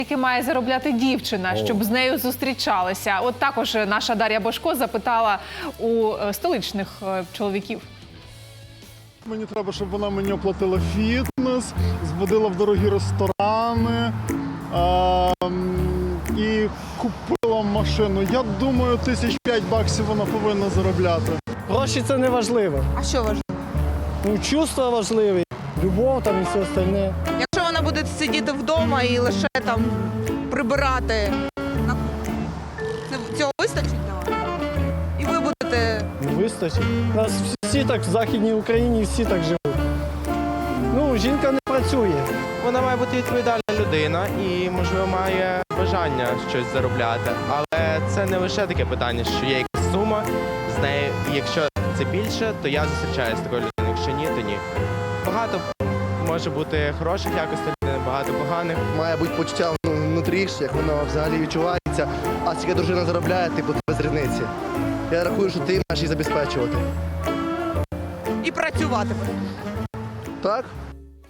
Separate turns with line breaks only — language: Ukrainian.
Які має заробляти дівчина, щоб з нею зустрічалися? От також наша Дар'я Бошко запитала у столичних чоловіків.
Мені треба, щоб вона мені оплатила фітнес, зводила в дорогі ресторани і купила машину. Я думаю, $5,000 вона повинна заробляти.
Гроші – це не важливо.
А що важливо?
Ну, чувства важливі, любов там і все остальне.
Якщо вона буде сидіти вдома і лише там прибирати, цього вистачить для вас? І ви будете...
Не вистачить. У нас всі так в Західній Україні, всі так живуть. Ну, жінка не працює.
Вона має бути відповідальна людина і, можливо, має бажання щось заробляти. Але це не лише таке питання, що є якась сума з нею. І якщо це більше, то я зустрічаюся з такою людиною. Якщо ні, то ні. Багато може бути хороших якостей, багато поганих.
Має бути почуття внутрі, як воно взагалі відчувається. А скільки дружина заробляє, типу, без різниці. Я рахую, що ти маєш її забезпечувати.
І працювати.
Так?